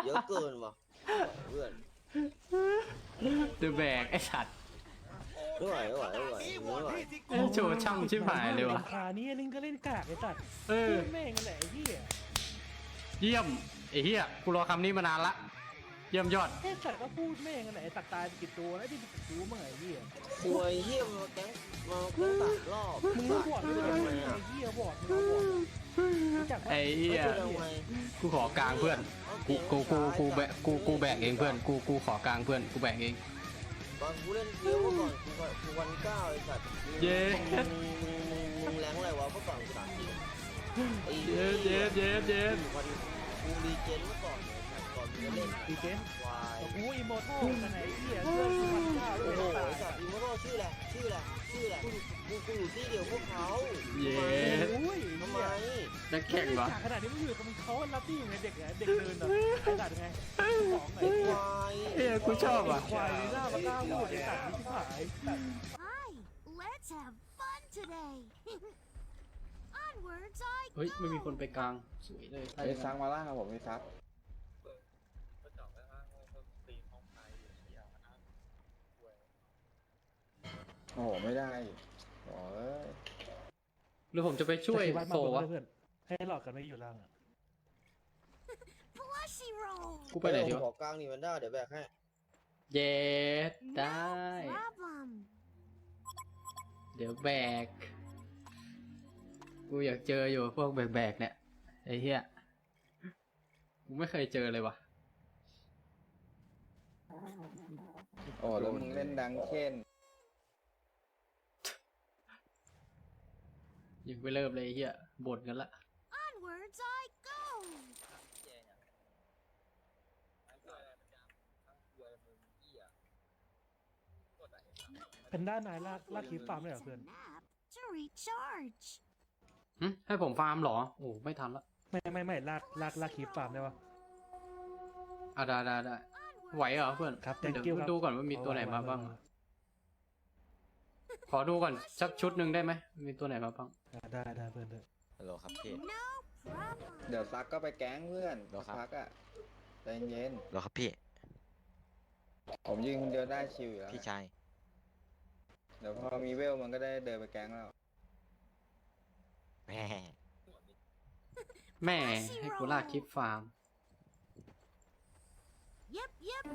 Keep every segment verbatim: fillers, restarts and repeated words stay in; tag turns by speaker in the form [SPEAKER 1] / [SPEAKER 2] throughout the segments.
[SPEAKER 1] เยอะเกินว่ะเพื่อน
[SPEAKER 2] เดือแบกไอ้สัตว์
[SPEAKER 1] ไม่ไหวไม่ไหวไม่ไหวไม่ไหว
[SPEAKER 2] โชว์ช่างชิบหายเลยว่ะ
[SPEAKER 3] ขานี้นึงก็เล่นกากไอ้สัตว์
[SPEAKER 2] เออ
[SPEAKER 3] แม่งแหละไอ้เหี้ย
[SPEAKER 2] เยี่ยมไอ้เหี้ยกูรอคำนี้มานานละเยี่ยมยอด
[SPEAKER 3] ไอ้สัตว์ก็พูดแม่งแหละไอ้ตัดตายไปกี่ตัวแล้วที่กี่ตัวเมื่อไหร่เหี้ย
[SPEAKER 1] ควยเฮียมาแก๊งมาแก๊งตัดรอบ
[SPEAKER 3] มึงรู้บอดมึงรู้ไอ้เหี้ยบอดมึงรู้บอดรู้จักปะ
[SPEAKER 2] ไอ้เหี้ย
[SPEAKER 1] ทำไม
[SPEAKER 2] กูขอกลางเพื่อนกูกูกูกูแบกกูกูแบกเองเพื่อนกูกูขอกลางเพื่อนกูแบกเอง
[SPEAKER 1] ตอนกูเล่นเฟี้ยวเมื่อก่อนกูก็กูวันเก้าไอ้สัตว์
[SPEAKER 2] เย้
[SPEAKER 1] มึงมึงมึงมึงแรงอะไรวะเมื่อก่อนกูถามจริงไอ้
[SPEAKER 2] เย็ดเย็ดเย็ดเย็ด
[SPEAKER 1] วันกูรีเจนเมื่อก่อนเนี่ยก่อนมึงจะเล่น
[SPEAKER 3] ดีเจน
[SPEAKER 1] ควาย
[SPEAKER 3] โอ้ยโมโต้กันไหนเหี้ยเพื่อนกูมันกล้าด้ว
[SPEAKER 1] โอ้
[SPEAKER 3] ย
[SPEAKER 1] โห
[SPEAKER 3] ตาย
[SPEAKER 1] ไอ้สัตว์อีโมโร่ชื่อแหละชื่อแหละชื่อแหละกูกูกูอยู่ที่เดียวพวกเขา
[SPEAKER 2] เย็ด
[SPEAKER 3] โอ้ย
[SPEAKER 1] ทำไม
[SPEAKER 2] นักแข่งวะ
[SPEAKER 3] ขนาดนี้มึงอยู่กับมึงเขารับที่อยู่ไงเด็กไงเด็กเดินแบบไอ้สัตว์ไงของไหน
[SPEAKER 1] ควาย
[SPEAKER 2] เอ้ยกูชอบอ่ะ
[SPEAKER 3] ควายหน้ามากล้าพูดไอ้สัตว์นี่ที่ผาย
[SPEAKER 4] Hi, let's have fun today. Onwards I
[SPEAKER 2] เฮ้ยไม่มีคน
[SPEAKER 4] go.
[SPEAKER 2] ไปกลางสวยเลย
[SPEAKER 5] ไอ้ซักมาล่างครับผมไอ้ซักโอ้โหไม่ได้โอ้ย
[SPEAKER 2] หรือผมจะไปช่วยโซวะ
[SPEAKER 3] เพื่อนให้หลอดกันไม่อยู่ล่างอ่ะ
[SPEAKER 4] Plushy roll.
[SPEAKER 2] กูไปไหนดีวะ
[SPEAKER 1] ขอกลางนี่มันได้เดี๋ยวแบกให้
[SPEAKER 2] เย็ดได้
[SPEAKER 4] No problem.
[SPEAKER 2] เดี๋ยวแบก กูอยากเจออยู่พวกแบกๆเนี่ยไอ้เหี้ย กูไม่เคยเจอเลยวะ
[SPEAKER 5] โอ้แล้วมึงเล่นดังเช่น
[SPEAKER 2] ยังไม่เริ่มเลยไอ้เหี้ยบ่นกันละ
[SPEAKER 4] Onwards I go.
[SPEAKER 3] เป็นด้านไหนลากลากคีฟฟาร์มได้เหรอ
[SPEAKER 4] Needs
[SPEAKER 3] เพื่อน
[SPEAKER 4] a nap to recharge.
[SPEAKER 2] หึให้ผมฟาร์มเหรอ โอ้ไม่ทันละ
[SPEAKER 3] ไม่ไม่ไม่ลากลากลากคีฟฟาร์มได้ปะ
[SPEAKER 2] อ่ะได้ได้ได้ไหวเหรอเพื่อน
[SPEAKER 3] ครับ
[SPEAKER 2] เดี๋
[SPEAKER 3] thank you
[SPEAKER 2] ยว
[SPEAKER 3] ครับ
[SPEAKER 2] ดูก่อนว่ามีตัวไหนมาบ้าง
[SPEAKER 3] เอไว้
[SPEAKER 2] ขอดูก่อนสักชุดหนึ่งได้ไหม มีตัวไหนมาบ้าง
[SPEAKER 3] อ่าได้ได้เพื่อนได้
[SPEAKER 6] ฮัลโหลครับพี่
[SPEAKER 4] No problem.
[SPEAKER 5] เดี๋ยวซักก็ไปแก๊งเพื่อน
[SPEAKER 6] เหรอครับ
[SPEAKER 5] ซักอ่ะใจเย็น
[SPEAKER 6] ฮัลโหลครับพี่
[SPEAKER 5] ผมยิงคนเดียวได้ชิวอยู่แล้ว
[SPEAKER 6] พี่ชาย
[SPEAKER 5] เดี๋ยวพอมีเวลมันก็ได้เดินไปแก๊งแล้ว
[SPEAKER 6] แหม่
[SPEAKER 2] แม่ให้กูลากคลิปฟาร์ม
[SPEAKER 4] Yep, yep.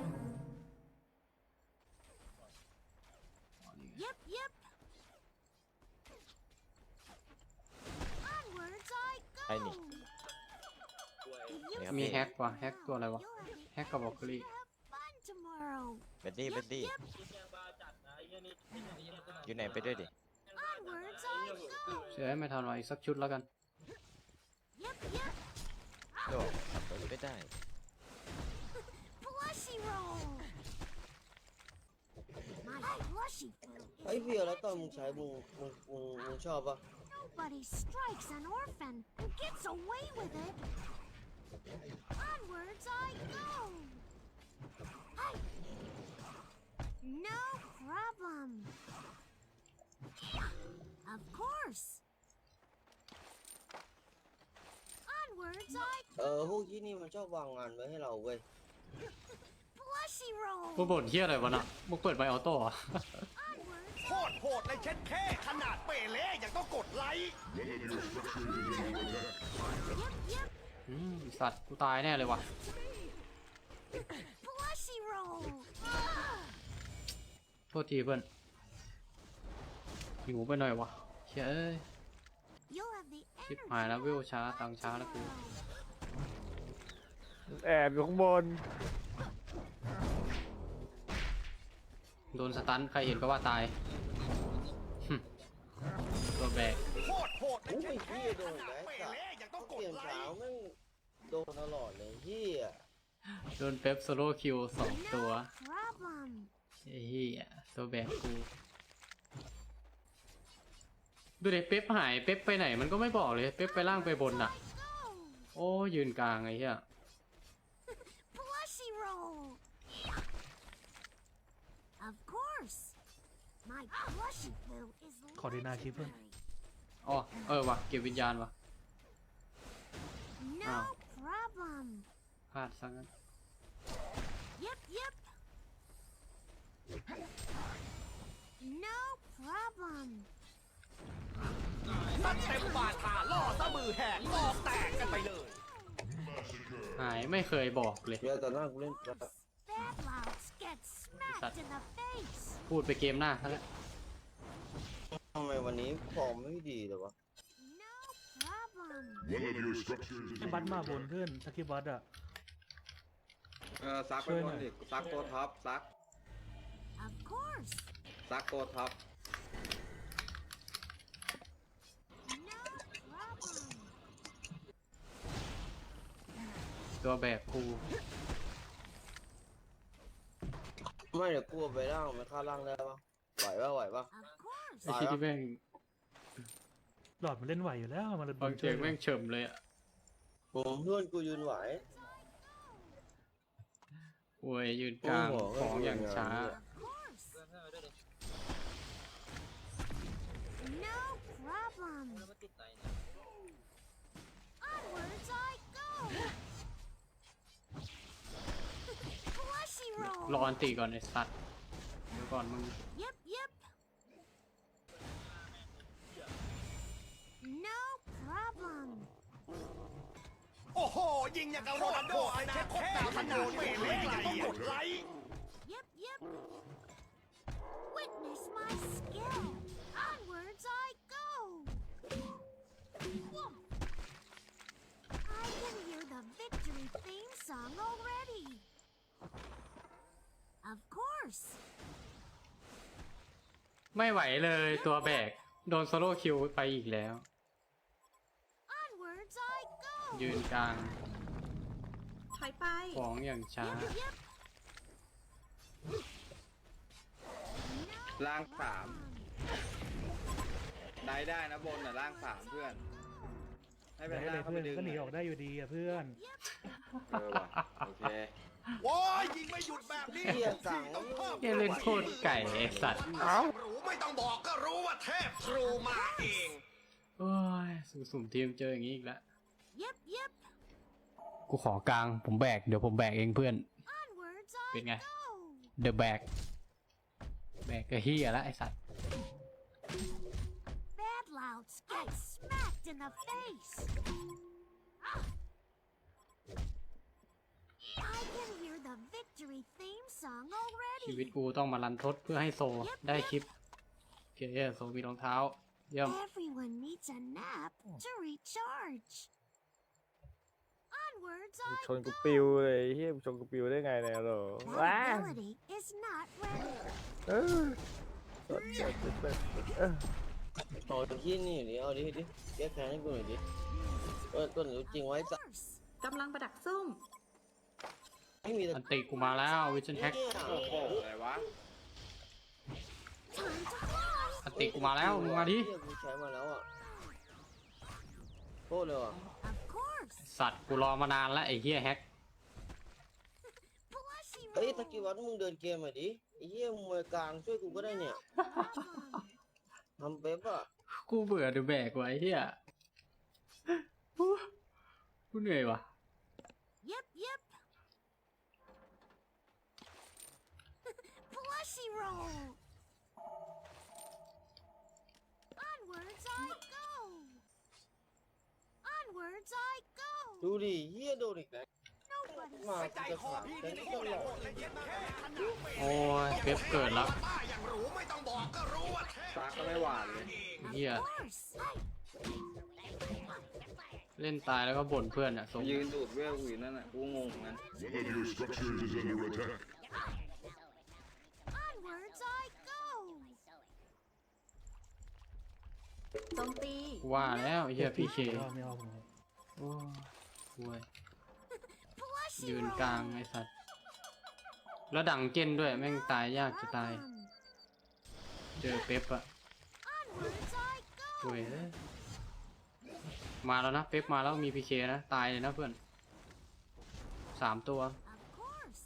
[SPEAKER 4] Yep, yep. Onwards I go.
[SPEAKER 6] ไอ้นี่
[SPEAKER 4] You
[SPEAKER 2] มีแฮกว่ะแฮกตัวอะไรวะ
[SPEAKER 4] You'll have
[SPEAKER 2] แฮกกับบล็อกเกอรี่
[SPEAKER 4] have fun tomorrow.
[SPEAKER 6] เบดดี้เบดดี้
[SPEAKER 4] Yep,
[SPEAKER 6] อยู่ไหนไปด้วยดิ
[SPEAKER 4] onwards I go.
[SPEAKER 2] เชื่อไม่ทันวะอีกสักชุดแล้วกัน
[SPEAKER 4] Yep, yep.
[SPEAKER 6] โดดขับรถไม่ได้
[SPEAKER 4] Plushy roll. My plushy food
[SPEAKER 1] ไอ้
[SPEAKER 4] is
[SPEAKER 1] เฟี้ยวแล้วตอนมึงใช้มึงมึงมึงมึงชอบปะ
[SPEAKER 4] nobody strikes an orphan and gets away with it. Onwards I go. Hi. No problem. Of course. Onwards I
[SPEAKER 1] เออพวกที่นี่มันชอบวางงานไว้ให้เราเว้ย
[SPEAKER 4] plushy roll.
[SPEAKER 2] มึงบ่นเที่ยอะไรวะน่ะมึงเปิดไมค์ออโต้เหรอ
[SPEAKER 4] Onwards
[SPEAKER 7] โคตรโหดเลยเช็ดแค่ขนาดเปเล่ยังต้องกดไลค์
[SPEAKER 4] Yep, yep.
[SPEAKER 2] อืมสัตว์กูตายแน่เลยวะ
[SPEAKER 4] Plushy roll.
[SPEAKER 2] โทษทีเพื่อนหิวไปหน่อยวะเชื่ยเอ้ย
[SPEAKER 4] You'll have the
[SPEAKER 2] ชิบ
[SPEAKER 4] energy
[SPEAKER 2] หายแล้ววิวช้าตังช้าแล้วกู
[SPEAKER 3] แอบอยู่ข้างบน
[SPEAKER 2] โดนสตันใครเห็นก็ว่าตายหึตัวแบก
[SPEAKER 7] โคตรโหดเลย
[SPEAKER 1] โอ้
[SPEAKER 7] เช็
[SPEAKER 1] ย
[SPEAKER 7] ด
[SPEAKER 1] เฮี
[SPEAKER 7] แค่
[SPEAKER 1] ยโด
[SPEAKER 7] ข
[SPEAKER 1] น
[SPEAKER 7] นา
[SPEAKER 1] แล้
[SPEAKER 7] ด
[SPEAKER 1] ว
[SPEAKER 7] เป
[SPEAKER 1] สัต
[SPEAKER 7] เล่
[SPEAKER 1] ว์
[SPEAKER 7] ยังต้องก
[SPEAKER 1] เก
[SPEAKER 7] ด
[SPEAKER 1] ม
[SPEAKER 7] ไล
[SPEAKER 1] เช้า
[SPEAKER 7] ค์
[SPEAKER 1] แม่งโดนตลอดเลยเฮีย
[SPEAKER 2] โดนเป๊ปโซโล่คิวสองตัว
[SPEAKER 4] No problem.
[SPEAKER 2] ไอ้เหี้ยตัวแบกกูดูเด็เป๊ปหายเป๊ปไปไหนมันก็ไม่บอกเลยเป๊ปไปล่างไปบนน่ะ
[SPEAKER 4] I go.
[SPEAKER 2] โอ้ยืนกลางไอ้เหี้ย
[SPEAKER 4] Plushy roll. Of course. My plushy foo is
[SPEAKER 3] ขอดีนาคลิปเพื่อน
[SPEAKER 4] legendary.
[SPEAKER 2] อ๋อเออว่ะเก็บวิญญาณว่ะ
[SPEAKER 4] No problem.
[SPEAKER 2] พลาดซะงั้น
[SPEAKER 4] Yep, yep. No problem.
[SPEAKER 7] ซัดเต็มบาทาล่อซะมือแหกคอแตกกันไปเลย
[SPEAKER 2] หายไม่เคยบอกเลย
[SPEAKER 1] เดี๋ยวตอนหน้ากูเล่น
[SPEAKER 4] Bad louds get smacked in the face.
[SPEAKER 2] พูดไปเกมหน้าซะแล้ว
[SPEAKER 1] ทำไมวันนี้ฟอร์มไม่ดีเลยวะ
[SPEAKER 4] No problem.
[SPEAKER 8] One of your structures is
[SPEAKER 3] ไอ้บัตมาบนเพื่อนสกิบัตอะ
[SPEAKER 5] เออซักไป
[SPEAKER 3] ช่วย
[SPEAKER 5] บ
[SPEAKER 3] หน่
[SPEAKER 5] น
[SPEAKER 3] อย
[SPEAKER 5] ดิซักตัวท็อปซัก
[SPEAKER 4] Of course.
[SPEAKER 5] ซักตัวท็อป
[SPEAKER 4] No problem.
[SPEAKER 2] ตัวแบกกู
[SPEAKER 1] ไม่เดี๋ยวกูเอาไปล่างมันฆ่าล่างได้ปะไหวปะไหวปะ
[SPEAKER 4] Of course.
[SPEAKER 2] ไอ้ที่ที่แม่ง
[SPEAKER 3] หลอดมันเล่นไหวอยู่แล้วมันเลย
[SPEAKER 2] บางเสียงแม่งเฉิมเลยอ่ะ
[SPEAKER 1] ผมเพื่อนกูยืนไหว
[SPEAKER 2] โวยยืนกลาง
[SPEAKER 1] โอ้โห
[SPEAKER 2] ของอย่างช้า
[SPEAKER 4] Of course. No problem. Onwards I go. Plushy
[SPEAKER 2] รอ
[SPEAKER 4] roll.
[SPEAKER 2] อันตีก่อนไอ้สัตว์เดี๋ยวก่อนมึง
[SPEAKER 4] Yep, yep. No problem.
[SPEAKER 7] โอ้โห ยิงอย่างกับโรนัลโดอนาคตดาวขนาดเปเล่ยังต้องกดไลค์
[SPEAKER 4] Yep, yep. Witness my skill. Onwards I go. Whoa. I can hear the victory theme song already. Of course.
[SPEAKER 2] ไม่ไหวเลยตัวแบก โดนโซโล่คิวไปอีกแล้ว
[SPEAKER 4] Onwards I go.
[SPEAKER 2] ยืนกลาง
[SPEAKER 9] ถอยไป
[SPEAKER 2] ของอย่างช้า
[SPEAKER 4] Yep, yep. No
[SPEAKER 5] ล่างสาม
[SPEAKER 4] problem.
[SPEAKER 5] ได้ได้นะบนน่ะล่างสามเพื่อน ให้ไป
[SPEAKER 3] ได้เล
[SPEAKER 5] ล่าง
[SPEAKER 3] ย
[SPEAKER 5] เข้า
[SPEAKER 3] เพื่
[SPEAKER 5] ไป
[SPEAKER 3] อน
[SPEAKER 5] ดึง
[SPEAKER 3] ก็หนีออกได้อยู่ดีอะเพื่อน
[SPEAKER 5] เออว่ะโอเค
[SPEAKER 7] โอ้ยยิงไม่หยุดแบบนี้
[SPEAKER 1] เฮียสั่ง
[SPEAKER 7] ต้องเพิ่ม
[SPEAKER 2] เหี้ยเล่นโคตรไก่ไอ้สัตว์
[SPEAKER 7] รู้ไม่ต้องบอกก็รู้ว่าเทพทรูมาเอง
[SPEAKER 2] โอ้ยสุ่มๆทีมเจออย่างนี้อีกแล้ว
[SPEAKER 4] Yep, yep.
[SPEAKER 2] กูขอกลางผมแบก เดี๋ยวผมแบกเองเพื่อน
[SPEAKER 4] Onwards I
[SPEAKER 2] เป็นไง
[SPEAKER 4] go.
[SPEAKER 2] เดอะแบก แบกก็เฮียแล้วไอ้สัตว์
[SPEAKER 4] Bad louds get smacked in the face. I can hear the victory theme song
[SPEAKER 2] ชีวิต
[SPEAKER 4] already.
[SPEAKER 2] กูต้องมารันทดเพื่อให้โซได้คลิป โอเคโซมีรองเท้า เยี่ยม
[SPEAKER 4] Everyone needs a nap to recharge. Onwards
[SPEAKER 10] ช
[SPEAKER 4] I
[SPEAKER 10] นกู
[SPEAKER 4] go.
[SPEAKER 10] ปิวเลยเฮียชนกูปิวได้ไงเนี่ยเหรอ
[SPEAKER 4] That
[SPEAKER 10] ว้า
[SPEAKER 4] ability is not ready.
[SPEAKER 10] เออสดสดสดสดเออ
[SPEAKER 1] เอาที่นี่ดิเอาดิดิแก้แค้นให้กูหน่อยดิเออต้นรู้จริงไว้
[SPEAKER 4] Of
[SPEAKER 1] สัก
[SPEAKER 4] course.
[SPEAKER 9] กำลังประดักซุ่ม
[SPEAKER 1] ไม่มีแต่
[SPEAKER 2] อันติกูมาแล้ววิชันแฮก
[SPEAKER 5] โอ้โหอะไรวะ
[SPEAKER 4] Time to fly.
[SPEAKER 2] อันติกูมาแล้วมึงมาดิ
[SPEAKER 1] เฮียกูใช้มาแล้วอ่ะโคตรเลยว่ะ
[SPEAKER 4] Of course.
[SPEAKER 2] สัตว์กูรอมานานแล้วไอ้เฮียแฮก
[SPEAKER 4] Plushy
[SPEAKER 1] เอ้ย
[SPEAKER 4] roll.
[SPEAKER 1] ตะกี้วัดมึงเดินเกมหน่อยดิไอ้เหี้ยมวยกลางช่วยกูก็ได้เนี่ย ทำเป๊ปอ่ะ
[SPEAKER 2] กูเบื่อดูแบกไว้เฮียกูเหนื่อยว่ะ
[SPEAKER 4] Yep, yep. Plushy roll. Onwards I go. Onwards I go.
[SPEAKER 1] ดูดิเหี้ยโดนอีกแล้ว
[SPEAKER 4] Nobody's
[SPEAKER 1] มา
[SPEAKER 7] ไป
[SPEAKER 1] กู
[SPEAKER 7] ใจ
[SPEAKER 1] จะ
[SPEAKER 7] คอ
[SPEAKER 1] ขาด
[SPEAKER 7] พี่
[SPEAKER 1] แต่
[SPEAKER 7] นี่
[SPEAKER 1] ก็
[SPEAKER 7] โคตร
[SPEAKER 1] หล
[SPEAKER 7] โห
[SPEAKER 1] อก
[SPEAKER 7] ดเลยเย็นแค่ขนาดเป
[SPEAKER 2] โอ้ยเป๊ปเกิดแล้ว
[SPEAKER 7] บ้าอย่างรู้ไม่ต้องบอกก็รู้ว่าเทพ
[SPEAKER 5] ซักก็ไม่หวานเลย
[SPEAKER 2] เฮีย
[SPEAKER 4] Of course.
[SPEAKER 2] เล่นตายแล้วก็บ่นเพื่อนอ่ะสม
[SPEAKER 5] ยืนดูดเวลอยู่นั่นน่ะกูงงเหมือนกัน
[SPEAKER 8] One of your structures is under attack.
[SPEAKER 4] Onwards I go.
[SPEAKER 9] โจมตี
[SPEAKER 2] ว่าแล้วไอ้เฮียพี่เค
[SPEAKER 3] ไม่เอาไม่เอาผม
[SPEAKER 2] โอ้ยห่วย
[SPEAKER 4] Plushy
[SPEAKER 2] ยืน
[SPEAKER 4] roll.
[SPEAKER 2] กลางไอ้สัตว์แล้วดังเจนด้วยแม่งตายยากจะตาย
[SPEAKER 4] Problem.
[SPEAKER 2] เจอเป๊ปอะ
[SPEAKER 4] Onwards I go.
[SPEAKER 2] ห่วยเอ้ยมาแล้วนะเป๊ปมาแล้วมีพีเคนะ ตายเลยนะเพื่อนสามตัว
[SPEAKER 4] Of course.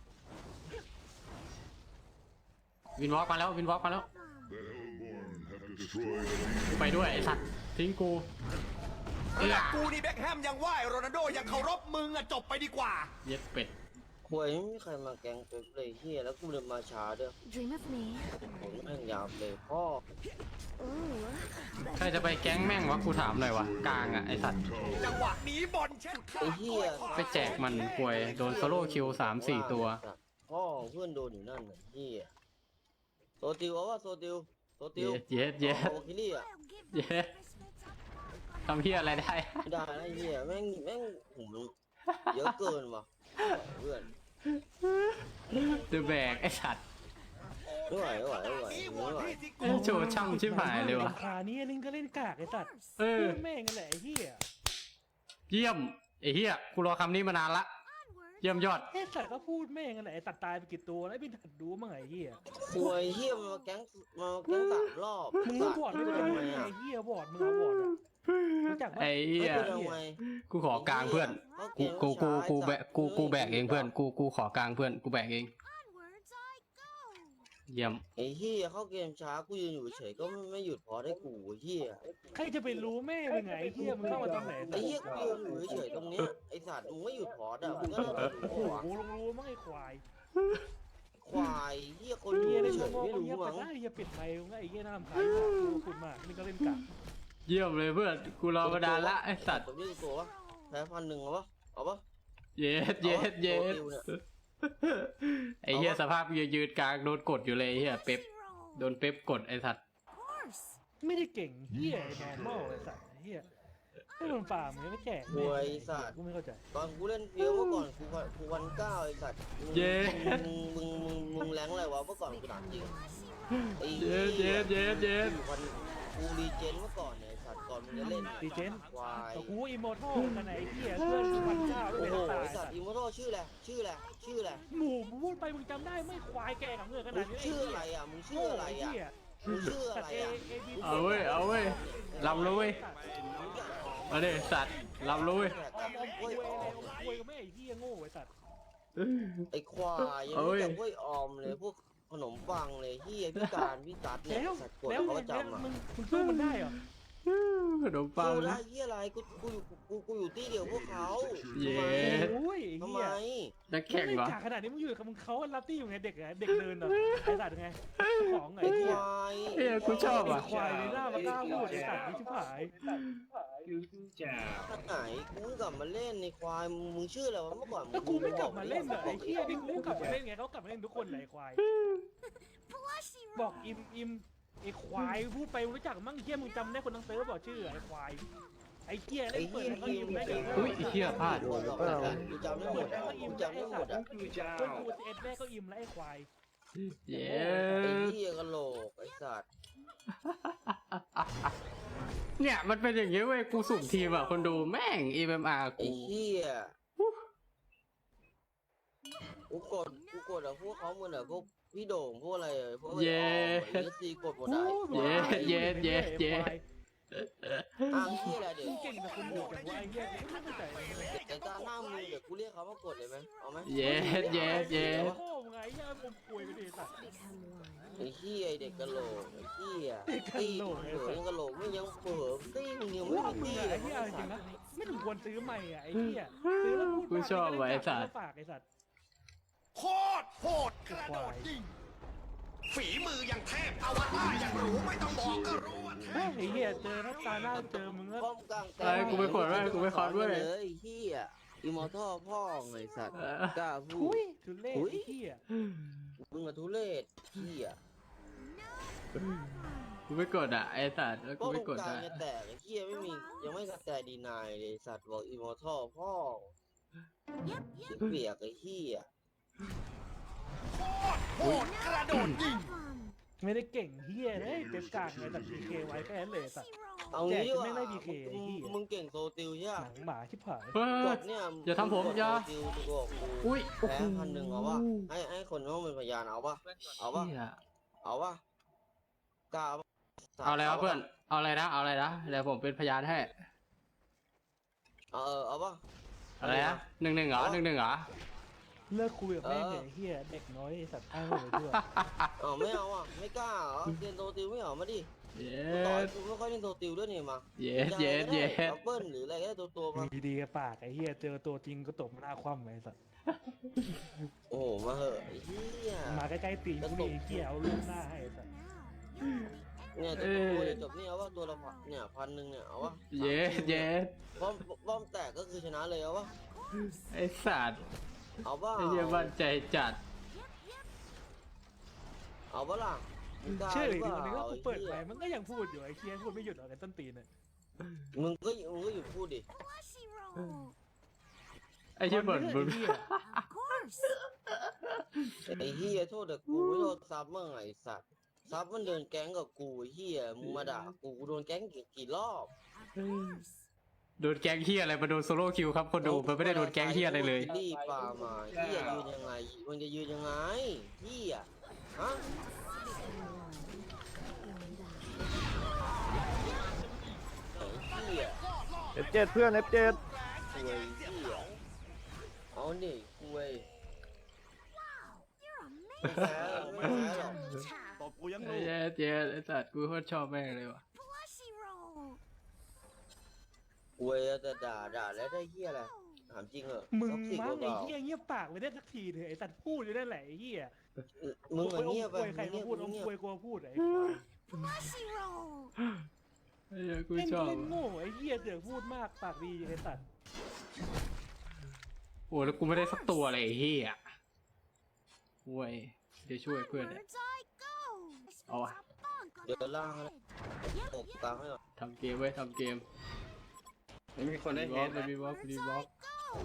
[SPEAKER 2] วินวอล์กมาแล้ววินวอล์กมาแล้ว
[SPEAKER 8] The Hellborn have destroyed a legion.
[SPEAKER 2] กูไปด้วยไอ้สัตว์ทิ้งกูเอื้อ
[SPEAKER 7] กูนี่แบ็คแฮมยังไหวโรนัลโดยังเคารพมึงอะจบไปดีกว่า
[SPEAKER 2] เย็ดเป็ด
[SPEAKER 1] ควยไม่มีใครมาแกงเป๊ปเลยเฮียแล้วกูเดินมาช้าด้วย
[SPEAKER 4] Dream of me.
[SPEAKER 1] ผมแม่งยาวเลยพ่อ
[SPEAKER 4] Ooh.
[SPEAKER 2] ใครจะไปแก๊งแม่งวะกูถามหน่อยวะกลางอ่ะไอ้สัตว์
[SPEAKER 7] จังหวะนี้บอลเช็ดขา
[SPEAKER 1] ไอ้เฮีย
[SPEAKER 2] ไปแจกมันป่วยโดนโซโล่คิวสามสี่ตัว
[SPEAKER 1] พ่อเพื่อนโดนอยู่นั่นน่ะเฮียโซติวเอาว่าโซติวโซติ
[SPEAKER 2] เย็
[SPEAKER 1] ว
[SPEAKER 2] ดเย็ดเย็ด
[SPEAKER 1] โอคิลี่อ่ะ
[SPEAKER 4] I'll give
[SPEAKER 2] Yeah.
[SPEAKER 4] them Christmas up.
[SPEAKER 2] ทำเพี้ยอะไรได้
[SPEAKER 1] ไม่ได้นะเฮียแม่งแม่งผมเยอะเกินว่ะเพื่อน
[SPEAKER 2] เดอะแบกไอ้สัตว์
[SPEAKER 1] ไม่ไหวไม่ไหวไม่ไหวไม่ไหว
[SPEAKER 2] เอ้ยโชว์ช่ำชิบหายเลยวะ
[SPEAKER 3] ขานี้นึงก็เล่นกากไอ้สัตว์
[SPEAKER 2] เออ
[SPEAKER 3] แม่งกันแหละไอ้เหี้ย
[SPEAKER 2] เยี่ยมไอ้เหี้ยกูรอคำนี้มานานละ
[SPEAKER 4] Onward.
[SPEAKER 2] เยี่ยมยอด
[SPEAKER 3] ไอ้สัตว์ก็พูดแม่งกันแหละไอ้สัตว์ตายไปกี่ตัวแล้วไอ้พี่ถัดดูมั้งไอ้เหี้ย
[SPEAKER 1] ควยเฮียมันมาแก๊งมาแก๊งสามรอบ
[SPEAKER 3] มึง
[SPEAKER 1] สั
[SPEAKER 3] รู้
[SPEAKER 1] ตว์
[SPEAKER 3] บอร์ดไม่
[SPEAKER 1] ไม่
[SPEAKER 3] เป็น
[SPEAKER 1] ทำไม
[SPEAKER 3] ไง
[SPEAKER 1] อ่ะ
[SPEAKER 3] ไอ้เหี้ยบอร์ดมึงเอาบอร์ดอะรู้จักปะ
[SPEAKER 2] ไอ้
[SPEAKER 1] ไม่
[SPEAKER 2] เหี้ย
[SPEAKER 1] เป็นทำไม
[SPEAKER 2] กูขอกลางเพื่อน กูกูกูกูแบกกูกูแบกเองเพื่อนกูกูขอกลางเพื่อนกูแบกเอง
[SPEAKER 4] Onwards I go.
[SPEAKER 2] เยี่ยม
[SPEAKER 1] ไอ้เฮียเข้าเกมช้ากูยืนอยู่เฉยก็ไม่ไม่หยุดพอได้กูไอ้เฮีย
[SPEAKER 3] ใครจะไปรู้แม่เป็นไงไอ้เหี้ยมึงเข้ามาตอนไหน
[SPEAKER 1] ไอ้เฮียกูยืนอยู่เฉยตรงเนี้ยไอ้สัตว์มึงไม่หยุดพอดอ่ะมึงก็เลย
[SPEAKER 3] โอ้
[SPEAKER 1] รู้
[SPEAKER 3] โห
[SPEAKER 1] หัว
[SPEAKER 3] กูลงรู้มั้งไอ้ควาย
[SPEAKER 1] ควายเฮียคนอ
[SPEAKER 3] เหี้
[SPEAKER 1] ยู่
[SPEAKER 3] ยเล่น
[SPEAKER 1] เฉ
[SPEAKER 3] โง่
[SPEAKER 1] ย
[SPEAKER 3] โง่
[SPEAKER 1] ไม่
[SPEAKER 3] เหี้ย
[SPEAKER 1] รู้
[SPEAKER 3] ไป
[SPEAKER 1] มั้ง
[SPEAKER 3] ได้เหี้ยปิดไมค์มึงไอ้เหี้ยน่ารำคาญกูคุณมากนี่ก็เล่นกาก
[SPEAKER 2] เยี่ยมเลยเพื่อนกูรอมานานละไอ้สัตว์
[SPEAKER 1] ตัวนี้ตัววะแพ้พันหนึ่งเอาปะเอาปะ
[SPEAKER 2] เย็ดเย็ดเย็ดไอ้เหี้ยสภาพยืนยืนกลางโดนกดอยู่เลยไอ้เหี้ยเป๊ป
[SPEAKER 4] Zero.
[SPEAKER 2] โดนเป๊ปกดไอ้สัตว์
[SPEAKER 4] Of course.
[SPEAKER 3] ไม่ได้เก่งเหี้ยไอ้นอร์มอลไอ้สัตว์ไอ้เหี้ยไม่โดนฝ่ามึงไม่แจก
[SPEAKER 1] ควยสัตว์
[SPEAKER 3] กูไม่เข้าใจ
[SPEAKER 1] ตอนกูเล่นเฟี้ยวเมื่อก่อนกูวันกูวันเก้าไอ้สัตว์มึง
[SPEAKER 2] เย้
[SPEAKER 1] มึงมึงมึงมึงแรงอะไรวะเมื่อก่อนกูถามจริงไอ้
[SPEAKER 2] เย็ดเย็ดเย็ดเย็ด
[SPEAKER 1] วันกูรีเจนเมื่อก่อนเนี่ยไอ้สัตว์ก่อนมึงจะเล่น
[SPEAKER 3] ดีเจน
[SPEAKER 1] ควาย
[SPEAKER 3] แต่กูอิมมอร์ทัลกันไหนไอ้เหี้ยเพื่อนกูวันเก้าไม่
[SPEAKER 1] โอ้
[SPEAKER 3] เป็น
[SPEAKER 1] โห
[SPEAKER 3] ตาย
[SPEAKER 1] ไอ้สัตว์อิมมอร์ทัลชื่ออะไรชื่ออะไรชื่ออะไร
[SPEAKER 3] หมู่มึงพูดไปมึงจำได้ไม่ควายแกกับเงื่อนข
[SPEAKER 1] มึ
[SPEAKER 3] นาด
[SPEAKER 1] ง
[SPEAKER 3] นี้
[SPEAKER 1] ชื่ออะไรอ่ะมึงชื่ออะไรอ่ะ
[SPEAKER 3] เหี้ย
[SPEAKER 1] มึงชื่ออะไรอ่ะ
[SPEAKER 2] เอาเว้ยเอาเว้ยลำเลยเว้ยมาดิสัตว์ลำเลยเว้ย
[SPEAKER 3] ออมอมคุยเลยคุยกับแม่ไอ้เหี้ยโง่ไอ้สัตว์
[SPEAKER 1] ไอ้ควายยังไม่แต่กล้วยออมเลยพวกขนมปังเลยเฮียพี่การพี่ตัดเนี่ย
[SPEAKER 3] แล้ว
[SPEAKER 1] สัตว์กด
[SPEAKER 3] แล้ว
[SPEAKER 1] เขา
[SPEAKER 3] ไง
[SPEAKER 1] ประจำอ่ะ
[SPEAKER 3] มึงมึงสู้มันได้เหรอ
[SPEAKER 2] ขนมปัง
[SPEAKER 1] เจอแล้วเฮียอะไรกูกูอยู่กูกูอยู่ที่เดียวพวกเขา
[SPEAKER 2] เย้
[SPEAKER 1] ทำไม
[SPEAKER 3] โอ้ยไอ้
[SPEAKER 1] ทำ
[SPEAKER 3] เหี้
[SPEAKER 1] ไม
[SPEAKER 3] ย
[SPEAKER 2] นักแข่ง
[SPEAKER 3] ไม่
[SPEAKER 2] วะ
[SPEAKER 3] จากขนาดนี้มึงอยู่กับมึงเขารับตี้อยู่ไงเด็กไงเด็กเดินเหรอไอ้สัตว์ไงของไง
[SPEAKER 1] ไอ้
[SPEAKER 3] ไอ้
[SPEAKER 1] ค
[SPEAKER 3] เหี้ยว
[SPEAKER 1] าย
[SPEAKER 2] เอ้ยกูชอบ
[SPEAKER 3] ไอ้
[SPEAKER 2] อ่ะ
[SPEAKER 3] ควายในหน้ามากล้าพูดไอ้สัตว์นี่ชิบหาย
[SPEAKER 1] ท่านไหนกูเพิ่งกลับมาเล่นในควายมึงมึงชื่ออะไรวะเมื่อก่อน
[SPEAKER 3] แล้วกูไม่กลับมาเล่นเหรอไอ้เหี้ยนี่กูกลับมาเล่นไงเขากลับมาเล่นทุกคนเลยไอ้ควาย
[SPEAKER 4] Plushy
[SPEAKER 3] บอก
[SPEAKER 4] roll.
[SPEAKER 3] อิมอิมไอ้ควายพูดไปรู้จักมั่งเหี้ยมึงจำได้คนทั้งเซิร์ฟบอกชื่อไอ้ควายไอ้เหี้ย
[SPEAKER 1] ไอ้
[SPEAKER 3] เล่นเปิ
[SPEAKER 1] เฮี
[SPEAKER 3] ด
[SPEAKER 1] ย
[SPEAKER 3] แล้วก็
[SPEAKER 1] ที
[SPEAKER 3] อิ
[SPEAKER 1] ม
[SPEAKER 3] มได้
[SPEAKER 2] อุ้ยไอ้เหี้ยพลาด
[SPEAKER 1] หมดหรอกกูจำได้หมดอะกูจำได้หมดอ่ะ
[SPEAKER 3] เพื่อนกูเอ็ดแม่ก็อิมแล้วไอ้ควาย
[SPEAKER 2] เย้
[SPEAKER 1] ไอ้เฮียกะโหลกไอ้สัตว์
[SPEAKER 2] เนี่ยมันเป็นอย่างเงี้ยเว้ยกูสุ่มทีมอ่ะคนดูแม่ง เอ็ม เอ็ม อาร์
[SPEAKER 1] ไอ้
[SPEAKER 2] กู
[SPEAKER 1] เฮียกูกดกูกดอะพวกเขาเหมือนอะพวกพี่โด่งพวกอะไรอะพวกไอ้ออมไอ้เอสซีกดหมดอะ
[SPEAKER 2] เย้เย้เย้เย้
[SPEAKER 1] อ้างที่อะไรเดี๋ยว
[SPEAKER 3] มึงเก่งแต่คนเดียวแต่ว่าไอ้เหี้ยกูไม่เข้าใจ
[SPEAKER 1] แต่การหน้ามือเดี๋ยวกูเรียกเขามากดเลยไหมเอาไหม
[SPEAKER 2] เย้เย้เย้
[SPEAKER 3] โง่ไงไอ้เหี้ยผมป่วยไปดิสัตว์
[SPEAKER 1] ไอ้เฮียไอ้เด็กกะโหลกไอ้เฮีย
[SPEAKER 3] เด็กกะ
[SPEAKER 1] ตี
[SPEAKER 3] โหลก
[SPEAKER 1] เผือยังกะโหลกไม่ยังเผือตีมึงยัง
[SPEAKER 3] พ
[SPEAKER 1] ไม่
[SPEAKER 3] วก
[SPEAKER 1] มี
[SPEAKER 3] มึง
[SPEAKER 1] ตี
[SPEAKER 3] อะ
[SPEAKER 1] เล
[SPEAKER 3] ไอ้
[SPEAKER 1] ย
[SPEAKER 3] เหี้ยจริงนะไม่ถึงควรซื้อใหม่อะไอ้เหี้ยซื้อแล้วพูด
[SPEAKER 2] กูชอบว่ะไอ้สัตว์
[SPEAKER 3] ฝากไอ้สัตว์
[SPEAKER 7] โคตรโหดกระโดดยิงฝีมือยังเทพอวตารยังรู้ไม่ต้องบอกก็รู้ว่าเทพ
[SPEAKER 3] ไอ้เหี้ยเจอถ้าตาหน้าเจอมึงก็
[SPEAKER 1] ป้อมกลาง
[SPEAKER 2] ไอ้กูไปกดด้วยกูไปคอร์ดด้วย
[SPEAKER 1] เลยไอ้เฮียอิมอร์ทัลพ่อไอ้สัตว์กล้าพู
[SPEAKER 3] คุ
[SPEAKER 1] ด
[SPEAKER 3] ยทุเล่ไอ้เหี้ย
[SPEAKER 1] มึงอะทุเรศเฮีย
[SPEAKER 2] กูไม่กดอ่ะไอ้สัตว์แล้วกู
[SPEAKER 1] ป้อม
[SPEAKER 2] ไม่กด
[SPEAKER 1] กลาง
[SPEAKER 2] อ่ะ
[SPEAKER 1] จะแตกไอ้เฮียไม่มียังไม่กระแตดีนายเลยสัตว์บอกอิมอร์ทัลพ่อ
[SPEAKER 4] Yep, yep.
[SPEAKER 1] เปียกไอ้เฮีย
[SPEAKER 7] โหดกระโดดยิง
[SPEAKER 4] Um,
[SPEAKER 3] ไม่ได้เก่งเหี้ยเลยเต็มกลางไอ้สัตว์พีเคไว้แค่นั้นเลยสัตว์
[SPEAKER 4] roll.
[SPEAKER 1] เอางี้ดีกว่า
[SPEAKER 3] แจกจะไม่ได้ บี เค ไอ้เหี้ย
[SPEAKER 1] มึงเก่งโซติลใช่
[SPEAKER 3] ห
[SPEAKER 1] ปะ
[SPEAKER 3] นังหมาชิบหาย
[SPEAKER 2] เฮ้
[SPEAKER 1] ก
[SPEAKER 2] ย
[SPEAKER 1] ดเนี่ย
[SPEAKER 2] อย่าทำผม
[SPEAKER 1] กด
[SPEAKER 2] อย่า
[SPEAKER 1] โซติลกูบอกกู
[SPEAKER 2] อุ้ยโอ้
[SPEAKER 1] แพ้
[SPEAKER 2] โห
[SPEAKER 1] พันหนึ่งเอาปะให้ให้คนเขาเป็นพยานเอาปะเอาปะ
[SPEAKER 2] เหี้ย
[SPEAKER 1] เอาปะกล้าปะ
[SPEAKER 2] เอาอะไรวะเพื่อนเอาอะไรนะเอาอะไรนะเดี๋ยวผมเป็นพยานให้
[SPEAKER 1] เอาเออเอาปะ
[SPEAKER 2] อะไรนะหนึ่งหนึ่งเหรอหนึ่งหนึ่งเหรอ
[SPEAKER 3] เลิกคุยกับแม่งเลยไอ้เฮียเด็กน้อยไอ้สัตว์อ้างเลยด้วย
[SPEAKER 1] อ๋อไม่เอาอ่ะไม่กล้าเหรอเรียนโทติวไม่เอามาดิ
[SPEAKER 2] เย็
[SPEAKER 1] กูต่อย
[SPEAKER 2] ด
[SPEAKER 1] กูไม่ค่อยเล่นโทติวด้วยนี่มา
[SPEAKER 2] เย็ดเย็ดเย็ด
[SPEAKER 1] ดับเบิ้ลหรืออะไรก็ได้ตัวตัวๆมา
[SPEAKER 3] มีดีกับปากไอ้เฮียเจอตัวจริงก็ตบมันหน้าคว่ำไอ้สัตว์
[SPEAKER 1] โอ้โหมาเหอะไอ้เหี้ย
[SPEAKER 3] มาใกล้ๆตีนกูนี่ไอ้เฮียเอาลูกหน้าให้ไอ้สัตว์
[SPEAKER 1] เนี่ยจะตัวเดียวจบนี่เอาว่าตัวละพันเนี่ยพันหนึ่งเนี่ยเอาวะ
[SPEAKER 2] เย็ดเย็ด
[SPEAKER 1] บอมบอมแตกก็คือชนะเลยเอาวะ
[SPEAKER 2] ไอ้สัตว์
[SPEAKER 1] เอาว่า
[SPEAKER 2] ไอ้เหี้ยมั่นใจจัด
[SPEAKER 1] เอาว่าล่ะมึงกล้า
[SPEAKER 3] เชื่อ
[SPEAKER 1] ห
[SPEAKER 3] ดิ
[SPEAKER 1] รือเป
[SPEAKER 3] วันนี้ก็
[SPEAKER 1] ล่า
[SPEAKER 3] กูเปิดไป
[SPEAKER 1] ไอ้หี้ย
[SPEAKER 3] มันก็ยังพูดอยู่ไอ้เฮียพูดไม่หยุดหรอกไอ้ต้นตีนเนี่ย
[SPEAKER 1] มึงก็มึงก็หยุดพูดดิ
[SPEAKER 4] Plushy roll.
[SPEAKER 2] ไอ้เหี้ยเหมือนมึง
[SPEAKER 3] ไอ้เหี้ย
[SPEAKER 4] Of course.
[SPEAKER 1] ไอ้เหี้ยโทษแต่กูไม่โทษซับมั่งไอ้สัตว์ซับมันเดินแก๊งกับกูไอ้เหี้ยมึงมาด่ากูกูโดนแก๊งกี่กี่รอบ
[SPEAKER 4] Of course.
[SPEAKER 2] โดนแก๊งเฮียอะไรมาโดนโซโล่คิวครับคนดูมันไม่ได้โดนแก๊งเฮียอะไรเลย
[SPEAKER 1] รีบปามาเหี้ยยืนยังไงมึงจะยืนยังไงเหี้ยฮะไอ้เหี้ย
[SPEAKER 10] เอฟเจ็ดเพื่อนเอฟเจ็ด
[SPEAKER 1] คุยเหี้ยเอาดิคุย
[SPEAKER 4] You're
[SPEAKER 1] ไม่แพ้
[SPEAKER 4] amazing.
[SPEAKER 1] ไม่แพ้หรอก
[SPEAKER 7] ตบกูยัง
[SPEAKER 2] ไอ้
[SPEAKER 7] รู้
[SPEAKER 2] เหี้ยเจ๊ไอ้สัตว์กูโคตรชอบแม่งเลยว่ะ
[SPEAKER 4] Plushy roll.
[SPEAKER 1] คุยแต่ด่าด่าแล้วได้เหี้ยอะไรถามจริงเหรอ
[SPEAKER 3] มึง
[SPEAKER 1] ท็อกซิก
[SPEAKER 3] มั้ง
[SPEAKER 1] หรือเป
[SPEAKER 3] ไอ้
[SPEAKER 1] ล่า
[SPEAKER 3] เฮียเงียบปากไปได้สักทีเถอะไอ้สัตว์พูดอยู่นั่นแหละไอ้เฮีย
[SPEAKER 1] มึงอะเงียบไป
[SPEAKER 3] ควยใคร
[SPEAKER 1] มึ
[SPEAKER 3] มาง
[SPEAKER 1] เงียบ
[SPEAKER 3] พูด
[SPEAKER 1] มึ
[SPEAKER 3] เอา
[SPEAKER 1] งเงียบ
[SPEAKER 3] ควยกลัวพูดไอ้ควาย
[SPEAKER 4] Plushy roll.
[SPEAKER 2] ไอ้เหี้ยกู
[SPEAKER 3] เล่น
[SPEAKER 2] ชอบ
[SPEAKER 3] เล่นโง่ไอ้เฮียเสือกพูดมากปากดีไอ้สัตว์
[SPEAKER 2] โอ้แล้วกูไม่ได้สักตัวเลยไอ้เฮียโว้ยเดี๋ยวช่วยเพื่อนเนี่ย
[SPEAKER 4] Onwards I go.
[SPEAKER 2] Oh.
[SPEAKER 4] A bonk on
[SPEAKER 1] เดี๋ยว
[SPEAKER 4] the
[SPEAKER 1] ล่างให้
[SPEAKER 4] head.
[SPEAKER 1] ตบกลางให้หน่อย
[SPEAKER 2] ทำเกมไว้ยทำเกม
[SPEAKER 5] ไม่มีคนได้
[SPEAKER 2] รีบ
[SPEAKER 5] เห็
[SPEAKER 2] อน ล์ก
[SPEAKER 5] นะ
[SPEAKER 2] รีบอล์กรีบอล์ก
[SPEAKER 4] Go.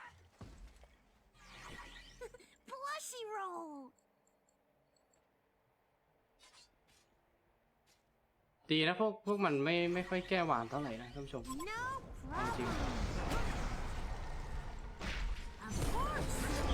[SPEAKER 4] Plushy roll.
[SPEAKER 2] ดีนะพวกพวกมันไม่ไม่ค่อยแก้หวานเท่าไหร่นะท่านผู้ชม
[SPEAKER 4] No
[SPEAKER 2] เอาจริง
[SPEAKER 4] problem. Of course.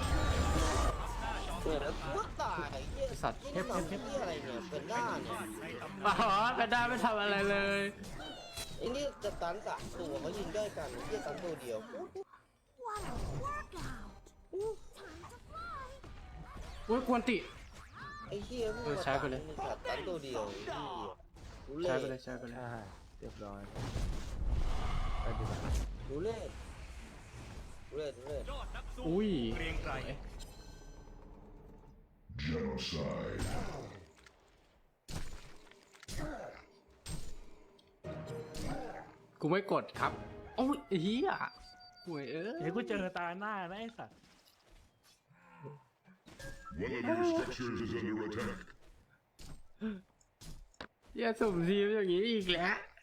[SPEAKER 1] เนี่ยแล้วกูก็ตายไอ้เหี้ย
[SPEAKER 2] ไอ้สัตว์
[SPEAKER 1] เหี้ยเหี้ยอะไรเนี่ยเป็นด้านเนี่ย
[SPEAKER 2] อ๋อแพนด้าไม่ทำอะไรเลย
[SPEAKER 1] ไอ้นี่จะตันสามตัวเขายิงได้กันไอ้เหี้ยตันตัวเดียว
[SPEAKER 4] What a workout. Time to fly.
[SPEAKER 2] โอ้ยกวนติ
[SPEAKER 1] ไอ้เหี้ยมึง
[SPEAKER 2] เออใช้ไปเลย
[SPEAKER 1] ตันตันตัวเดียวไอ้เหี้ยรู้เล่
[SPEAKER 2] ใช้ไปเลยใช้ไปเลย
[SPEAKER 10] อ่าเรียบร้อยไปดีกว่า
[SPEAKER 1] รู้เล่รู้เล่รู้เล่
[SPEAKER 2] อุ้ย
[SPEAKER 8] Genocide.
[SPEAKER 2] กูไม่กดครับโอ้ยไอ้เฮียห่วยเอ้ย
[SPEAKER 3] เดี๋ยวกูเจอตาหน้านะไอ้สัตว์
[SPEAKER 8] One of your structures is under attack.
[SPEAKER 2] อย่าสุ่มทีมอย่างนี้อีกแล้ว